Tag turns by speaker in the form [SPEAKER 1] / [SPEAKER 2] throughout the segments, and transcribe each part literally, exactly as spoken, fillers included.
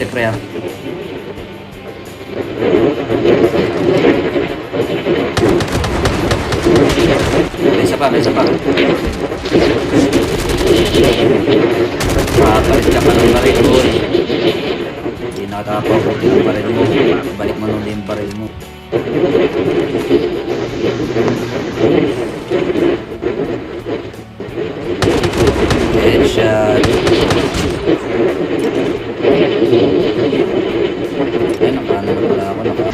[SPEAKER 1] step pre ah. May isa pa, may isa pa. Papalit ka pa ng baril, boy. Hindi nakakapabuti ng baril mo. Balik mo nung yung baril mo. Headshot. Ay, nakaano na pala ako. Naka...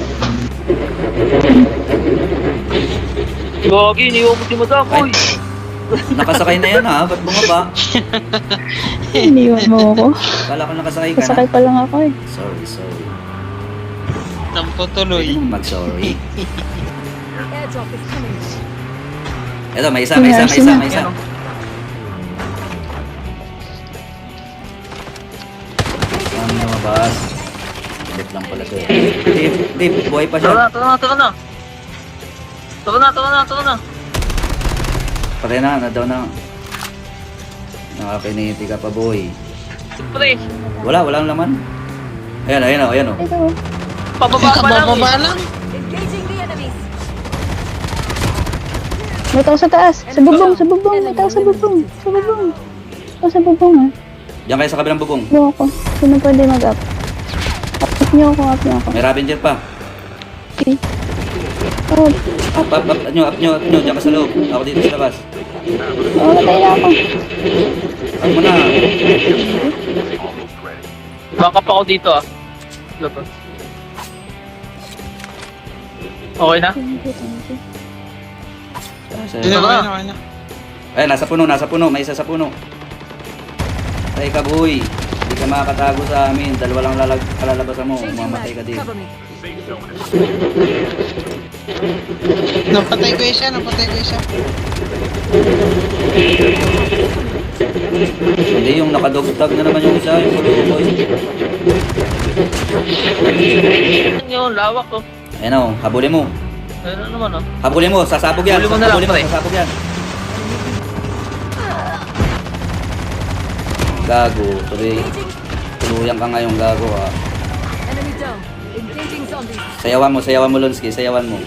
[SPEAKER 2] Gagi, iniwan mo si Madam,
[SPEAKER 1] Ay,
[SPEAKER 2] boy.
[SPEAKER 1] nakasakay na yan ha. Ba't bumaba?
[SPEAKER 3] Iniwan mo ako.
[SPEAKER 1] Kala ko nakasakay ka
[SPEAKER 3] Kasakay
[SPEAKER 1] na.
[SPEAKER 3] pa lang ako eh.
[SPEAKER 1] Sorry, sorry.
[SPEAKER 4] Tampo tuloy.
[SPEAKER 1] Mag-sorry.
[SPEAKER 5] Airdrop is coming.
[SPEAKER 1] Eto, may isa, may isa, may isa, may isa. Ano lumabas? Ulit lang pala to eh. Dip, dip, buhay pa
[SPEAKER 2] Tara na,
[SPEAKER 1] siya.
[SPEAKER 2] tara na, tara na. Tara na, tara na, tara na.
[SPEAKER 1] Patay na, na daw na. Nakakiniti ka pa, boy.
[SPEAKER 2] Pre,
[SPEAKER 1] Wala, walang laman. Ayan, ayan o, ayan o.
[SPEAKER 3] Ito.
[SPEAKER 2] pababa pa lang.
[SPEAKER 4] Kabababa
[SPEAKER 2] eh.
[SPEAKER 4] lang.
[SPEAKER 5] Engaging the enemies.
[SPEAKER 3] May tao sa taas. Sa bubong, sa bubong. May tao sa bubong. Sa bubong. Tao sa bubong ah.
[SPEAKER 1] Diyan kayo sa kabilang bubong.
[SPEAKER 3] Go ako. Sino pwede mag-up? Up niyo ako, up niyo ako.
[SPEAKER 1] May Ravenger pa.
[SPEAKER 3] Okay. Oh,
[SPEAKER 1] Up, up, up, nyo, up nyo, up nyo. Diyan ka sa loob. Ako dito sa labas.
[SPEAKER 3] oh, matay na ako.
[SPEAKER 1] Up mo na.
[SPEAKER 2] Backup ako dito ah. Labas. Okay na?
[SPEAKER 3] Thank you, thank you.
[SPEAKER 4] Hindi na, okay na, okay na.
[SPEAKER 1] Ayan, nasa puno, nasa puno. May isa sa puno. Patay ka, boy. Hindi ka makakatago sa amin. Dalawa lang lalag kalalabasan mo.
[SPEAKER 5] Changing
[SPEAKER 1] Mamatay ka
[SPEAKER 5] mag.
[SPEAKER 1] din.
[SPEAKER 5] Cover me.
[SPEAKER 4] Napatay ko isa, napatay ko isa.
[SPEAKER 1] Hindi, yung nakadogtag na naman yung isa. Yung ulo, boy.
[SPEAKER 2] Ano yun, lawak ko.
[SPEAKER 1] Ayan o, habulin mo.
[SPEAKER 2] Ano naman ah.
[SPEAKER 1] Habulin mo, sasabog yan.
[SPEAKER 2] Habulin mo na lang,
[SPEAKER 1] Habulin mo,
[SPEAKER 2] pre.
[SPEAKER 1] sasabog yan. Gago, tuloy. Tuluyan ka ngayong gago ha.
[SPEAKER 5] Enemy down. Engaging zombies.
[SPEAKER 1] Sayawan mo, sayawan mo Lonsky, sayawan mo.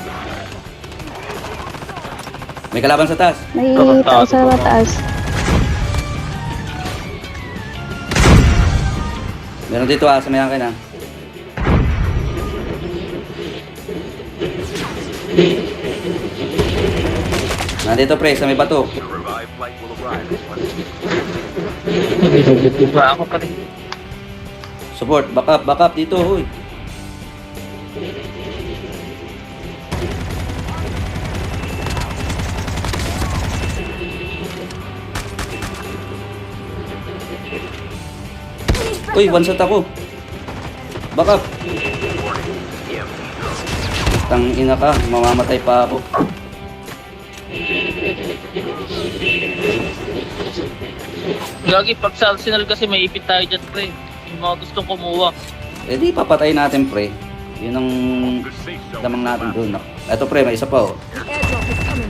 [SPEAKER 1] May kalaban sa taas.
[SPEAKER 3] May tao sa taas.
[SPEAKER 1] Meron dito ah, sa may akin ah. Nandito pre, sa may bato.
[SPEAKER 2] Ba ako pa rin.
[SPEAKER 1] Support, back up, back up dito, huy. Uy, one shot ako. Back up. Tang ina ka, mamamatay pa ako.
[SPEAKER 2] Gagi, pag sa Arsenal kasi may ipit tayo dyan, pre. Yung mga gustong kumuha.
[SPEAKER 1] Eh di papatay natin pre. Yun ang damang natin doon. Eto pre, may isa pa oh.
[SPEAKER 5] Airdrop is coming.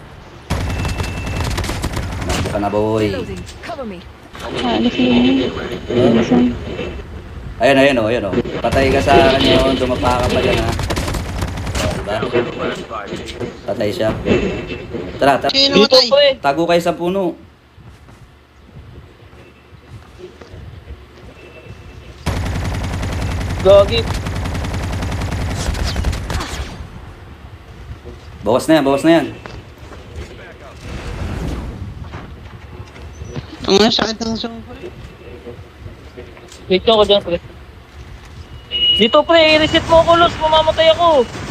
[SPEAKER 1] Nandiyan ka na boy.
[SPEAKER 5] Reloading. Cover me.
[SPEAKER 3] Ah, alis na yun. Alis na.
[SPEAKER 1] Ayan, ayan oh, ayan oh. Patay ka sa kanya yun, dumapa ka pa dyan ha. Oh, diba? Patay siya. Tara, tara.
[SPEAKER 4] Sino
[SPEAKER 2] Dito,
[SPEAKER 4] matay?
[SPEAKER 2] pre.
[SPEAKER 1] Tago kayo sa puno.
[SPEAKER 2] Gagi.
[SPEAKER 1] Bawas na yan, bawas na yan.
[SPEAKER 4] Ang sakit ng sungkol.
[SPEAKER 2] Wait ako dyan, pre. Dito, pre. I-reset mo ako, Luz. Mamamatay ako.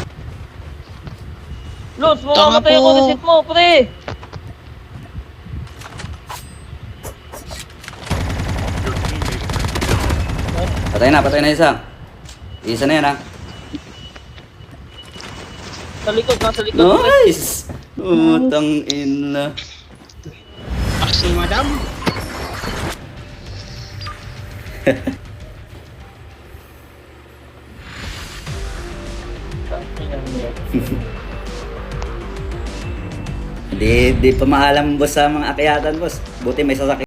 [SPEAKER 2] Luz, mamamatay
[SPEAKER 4] Tama
[SPEAKER 2] ako.
[SPEAKER 4] po.
[SPEAKER 2] Reset mo, pre.
[SPEAKER 1] Patay na, patay na isa. Isa na yan ha.
[SPEAKER 2] Sa likod, nasa likod, pre.
[SPEAKER 1] Nice! Utang ina.
[SPEAKER 4] Aksi, madam.
[SPEAKER 1] Hindi, di pa maalam boss sa mga akyatan boss. Buti may sasakyan.